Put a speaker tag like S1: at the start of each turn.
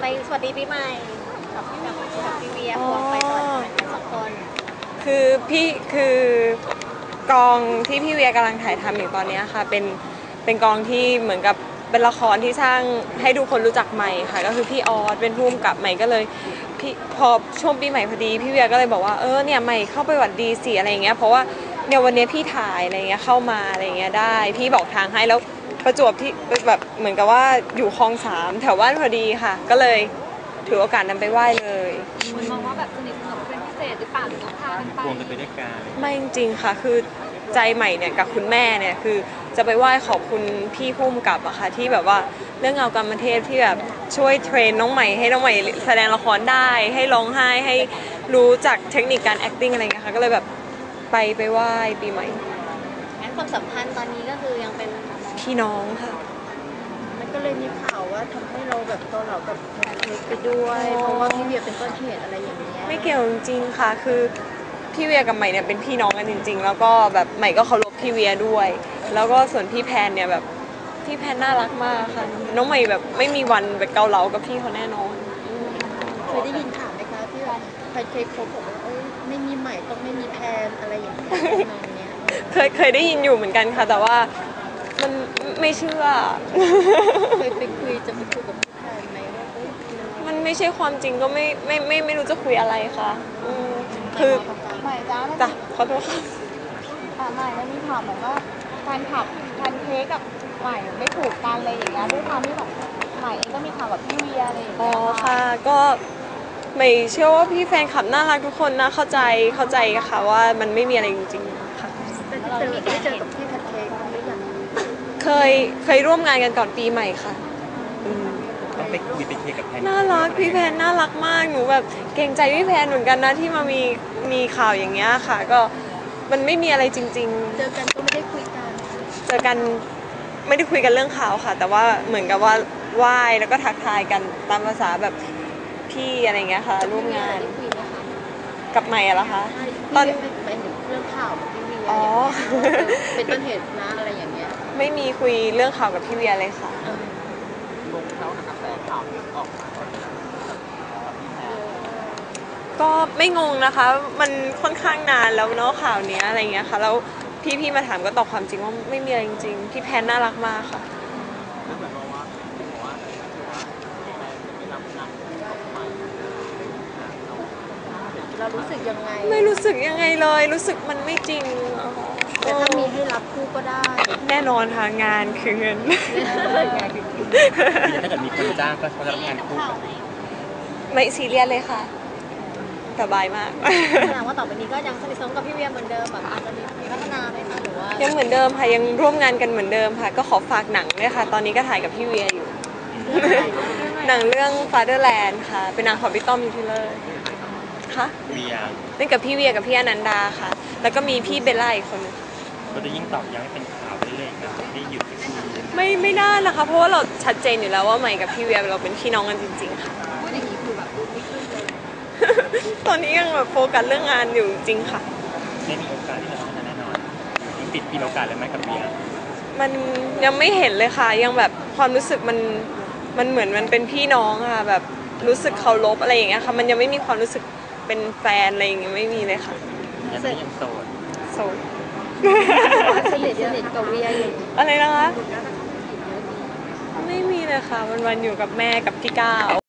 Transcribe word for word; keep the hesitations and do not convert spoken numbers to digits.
S1: ไปสวัสดีปีใหม่กับพี่กับพี่เวียควงไปสวัสดีกันสองคน
S2: คือพี่คือกองที่พี่เวียกำลังถ่ายทำอยู่ตอนนี้ค่ะเป็นเป็นกองที่เหมือนกับเป็นละครที่สร้างให้ทุกคนรู้จักใหม่ค่ะก็คือพี่ออสเป็นผู้กำกับใหม่ก็เลยพี่พอช่วงปีใหม่พอดีพี่เวียก็เลยบอกว่าเออเนี่ยใหม่เข้าไปหวัดดีสิอะไรเงี้ยเพราะว่าเนี่ยวันนี้พี่ถ่ายอะไรเงี้ยเข้ามาอะไรเงี้ยได้พี่บอกทางให้แล้วประจวบที่แบบเหมือนกับว่าอยู่คลองสามแถวบ้านพอดีค่ะก็เลยถือโอกาสนั้นไปไหว้เลย
S3: มันมองว่าแบบสนิทสนมเป็นพิเศษหรือเปล่าหรือพากันไป
S4: ควงกันไปด้วยกัน
S2: ไม่จริงๆค่ะคือใจใหม่เนี่ยกับคุณแม่เนี่ยคือจะไปไหว้ขอบคุณพี่พุ่มกับอะค่ะที่แบบว่าเรื่องเงากรรมเทพที่แบบช่วยเทรนน้องใหม่ให้น้องใหม่แสดงละครได้ให้ร้องไห้ให้รู้จักเทคนิคการ acting อะไรเงี้ยค่ะก็เลยแบบไปไปไหว้ปีใหม่
S1: งั้นความสัมพันธ์ตอนนี้ก็คือยังเป็น
S2: พี่น้องค่ะ
S5: มันก็เลยมีข่าวว่าทำให้เราแบบตัวเรากับแพนเค้กไปด้วยเพราะว่าพี่เวียเป็นต้นเหตุอะไรอย่างเงี้ย
S2: ไม่เกี่ยวจริงๆค่ะคือพี่เวียกับใหม่เนี่ยเป็นพี่น้องกันจริงๆแล้วก็แบบใหม่ก็เคารพพี่เวียด้วยแล้วก็ส่วนพี่แพนเนี่ยแบบพี่แพนน่ารักมากค่ะน้องใหม่แบบไม่มีวันแบบเกาเหลากับพี่เขาแน่นอน
S5: เคยได้ยินข่าวไหมคะที่ว่าแพนเค้กเขาบอกว่าเอ้ยไม่มีใหม่ต้องไม่มีแพนอะไรอย่างเงี้ยน้องเนี้ย
S2: เคยเคยได้ยินอยู่เหมือนกันค่ะแต่ว่ามันไม่เชื่อ
S5: เคยไปคุยจะไปคุยกับพี่แพนไหมว่าเอ้ย
S2: มันไม่ใช่ความจริงก็ไม่ไม่ไม่ไม่รู้จะคุยอะไรค่ะคือ
S3: ใหม่จ้า
S2: จ้ะขอโทษค่ะ
S3: ใหม่แล้วมีข่าวเหมือนว่าการขับแพนเค้กกับใหม่ไม่ถูกกันเลยอย่างเงี้ยด้วยความที่แบบใหม่เองก็มีข่าวกับพี่เวียอะไรอย่างเงี้ย
S2: อ๋อค่ะก็ไม่เชื่อว่าพี่แฟนคลับน่ารักทุกคนนะเข้าใจเข้าใจค่ะว่ามันไม่มีอะไรจริงๆค่ะ
S5: แต่เจอได้เจอกับพี่แพนเค้กหรือยัง
S2: เคยเคยร่วมงานกันก่อนปีใหม่ค่ะ
S4: ต้องไปคุยไปเคลียร์กับแพน
S2: น่ารักพี่แพนน่ารักมากหนูแบบเกรงใจพี่แพนเหมือนกันนะที่มามีมีข่าวอย่างเงี้ยค่ะก็มันไม่มีอะไรจริงๆ
S5: เจอกันก็ไม่ได้คุยกัน
S2: เจอกันไม่ได้คุยกันเรื่องข่าวค่ะแต่ว่าเหมือนกับว่าไหว้แล้วก็ทักทายกันตามภาษาแบบพี่อะไรเงี้ยค่ะร่วมงานกับใหม่อะเหรอคะ
S5: ตอนไปถึงเรื่องข่าวกับพี่เวียอ๋อเป็นต้นเหตุนะอะไรอย่างเงี้ย
S2: ไม่มีคุยเรื่องข่าวกับพี่เวียเลยค่ะ
S4: ลงเขากระแสข่าวที่ออกมา
S2: ก็ไม่งงนะคะมันค่อนข้างนานแล้วเนาะข่าวนี้อะไรเงี้ยค่ะแล้วพี่ๆมาถามก็ตอบความจริงว่าไม่มีอะไรจริงๆพี่แพนน่ารักมากค่ะ
S5: เรารู้สึกยังไง
S2: ไม่รู้สึกยังไงเลยรู้สึกมันไม่จริง
S5: แต่ถ้ามีให้รับคู่ก็ได้
S2: แน่นอนค่ะงานคือเงิน
S4: ถ้าเกิดมีคนจ้างก็เขาจะรับงานคู่
S2: ไม่ซีเรียสเลยค่ะสบายมาก
S1: แสดงว่าต่อไปนี้ก็ยังสนิทสนมกับพี่เวียเหมือนเดิมแบบอาจจะมีพัฒนาไหมคะหรือว่า
S2: ยังเหมือนเดิมค่ะยังร่วมงานกันเหมือนเดิมค่ะก็ขอฝากหนังด้วยค่ะตอนนี้ก็ถ่ายกับพี่เวียอยู่หนังเรื่อง Fatherland ค่ะเป็นหนังของพี่ต้อมยูทิเลอร์ค่ะ
S4: เวีย
S2: เล่นกับพี่เวียกับพี่อนันดาค่ะแล้วก็มีพี่เบลล่าอีกคนนึง
S4: ก็จะยิ่งตอกย้ำให้เป็นข่าวเรื่อยๆนะไม่หยุด
S2: ไม่ไม่ได้นะคะเพราะว่าเราชัดเจนอยู่แล้วว่าใหม่กับพี่เวียเราเป็นพี่น้องกันจริงๆค่ะ
S3: พูดอย่างนี้คือแบบไม่ขึ้นเลย
S2: ตอนนี้ยังแบบโฟกัสเรื่องงานอยู่จริงค่ะ
S4: ไม่มีโอกาสที่จะทำแน่นอนยังปิดปีโอกาสเลยไหมกับเวีย
S2: มันยังไม่เห็นเลยค่ะยังแบบความรู้สึกมันมันเหมือนมันเป็นพี่น้องค่ะแบบรู้สึกเคารพอะไรอย่างเงี้ยค่ะมันยังไม่มีความรู้สึกเป็นแฟนอะไรอย่างเงี้ยไม่มีเลยค่ะ
S4: ยังไม่ยังโสด
S2: โสด
S5: สนิทสนิทกับเวียอยู่
S2: อะไรนะคะไม่มีเลยค่ะวันๆอยู่กับแม่กับพี่ก้าว